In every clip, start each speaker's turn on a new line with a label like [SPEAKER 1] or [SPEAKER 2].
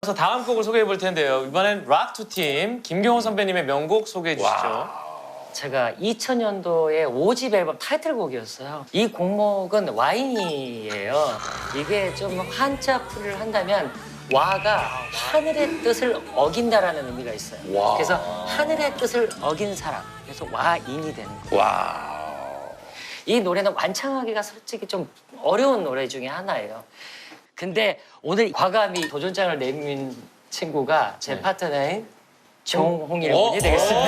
[SPEAKER 1] 그래서 다음 곡을 소개해 볼 텐데요. 이번엔 락2팀 김경호 선배님의 명곡 소개해 주시죠.
[SPEAKER 2] 제가 2000년도에 5집 앨범 타이틀곡이었어요. 이 곡목은 와인이에요. 이게 좀 한자풀이를 한다면 와가 하늘의 뜻을 어긴다라는 의미가 있어요.
[SPEAKER 3] 와.
[SPEAKER 2] 그래서 하늘의 뜻을 어긴 사람. 그래서 와인이 되는 거예요.
[SPEAKER 3] 와.
[SPEAKER 2] 이 노래는 완창하기가 솔직히 좀 어려운 노래 중에 하나예요. 근데 오늘 과감히 도전장을 내민 친구가 제 파트너인 정홍일 군이 되겠습니다.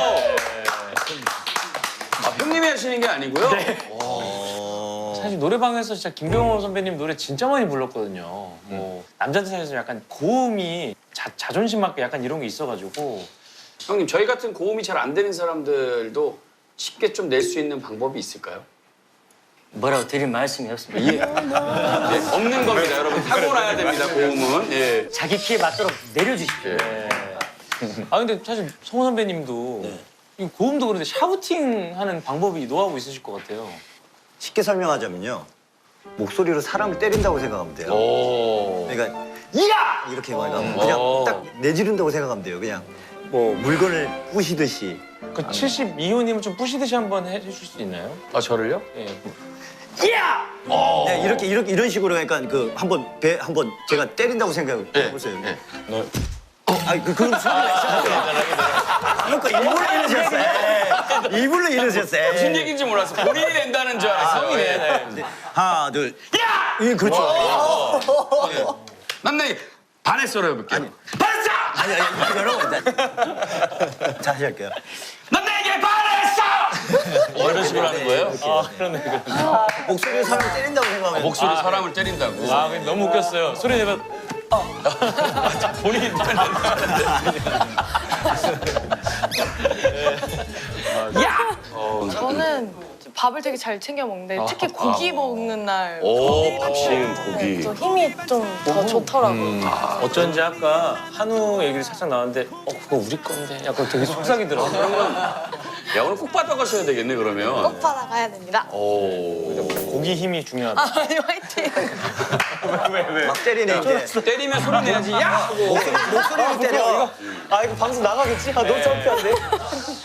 [SPEAKER 3] 아, 형님이 하시는 게 아니고요? 네.
[SPEAKER 1] 사실 노래방에서 진짜 김경호 선배님 노래 진짜 많이 불렀거든요. 뭐 남자들 사이에서 약간 고음이 자존심 맞게 약간 이런 게 있어가지고
[SPEAKER 3] 형님, 저희 같은 고음이 잘 안 되는 사람들도 쉽게 좀 낼 수 있는 방법이 있을까요?
[SPEAKER 2] 뭐라고 드릴 말씀이 없습니다.
[SPEAKER 3] 예. 네, 없는 겁니다, 여러분. 타고나야 됩니다, 고음은. 예.
[SPEAKER 2] 자기 키에 맞도록 내려주십시오.
[SPEAKER 1] 네. 아 근데 사실 성호 선배님도 이 고음도 그런데 샤우팅 하는 방법이 노하우 있으실 것 같아요.
[SPEAKER 4] 쉽게 설명하자면요. 목소리로 사람을 때린다고 생각하면 돼요.
[SPEAKER 3] 오.
[SPEAKER 4] 그러니까 이야! 이렇게 말하면 그냥 딱 내지른다고 생각하면 돼요. 그냥 뭐 물건을 부시듯이.
[SPEAKER 1] 그 72호님은 좀 부시듯이 한번 해주실 수 있나요?
[SPEAKER 3] 아, 저를요?
[SPEAKER 1] 예.
[SPEAKER 4] 이야! 네, 이런 식으로 그러니까 그 한번 배 한번 제가 때린다고 생각해 보세요.
[SPEAKER 3] 네.
[SPEAKER 4] 그럼 소리가 시작해요. 그러니까 일부러 이러셨어요. 일부러 이러셨어요.
[SPEAKER 3] 무슨 얘기인지 몰랐어. 본인이 낸다는 줄 알았어요.
[SPEAKER 1] 성이네.
[SPEAKER 3] 예.
[SPEAKER 4] 하나, 둘, 야! 예, 그렇죠.
[SPEAKER 3] 난 내 반했어로 해볼게요. 반했어!
[SPEAKER 4] 아니, 여러분. 자, 다시 할게요.
[SPEAKER 3] 난 내게 반했어! 이런 식으로 하는 거예요?
[SPEAKER 1] 그러네.
[SPEAKER 4] 목소리로 사람을 때린다고 생각하면
[SPEAKER 3] 목소리 사람을 때린다고.
[SPEAKER 1] 아 근데 너무 웃겼어요. 소리 내면 본인이
[SPEAKER 5] 저는 밥을 되게 잘 챙겨 먹는데 특히 고기 먹는 날
[SPEAKER 3] 오, 밥심, 고기.
[SPEAKER 5] 또 힘이 좀 더 좋더라고요.
[SPEAKER 1] 어쩐지 아까 한우 얘기를 살짝 나왔는데 그거 우리 건데 약간 되게 속삭이더라고요.
[SPEAKER 3] 야, 오늘 꼭 받아가셔야 되겠네, 그러면.
[SPEAKER 5] 꼭 받아가야 됩니다.
[SPEAKER 3] 오.
[SPEAKER 1] 고기 힘이 중요하다.
[SPEAKER 5] 아니 화이팅.
[SPEAKER 1] 왜?
[SPEAKER 4] 막 때리네, 이제.
[SPEAKER 3] 때리면 소리 내야지. 야! 하고.
[SPEAKER 4] 목소리로 때려.
[SPEAKER 1] 아 이거 방송 나가겠지? 아 너무 창피한데?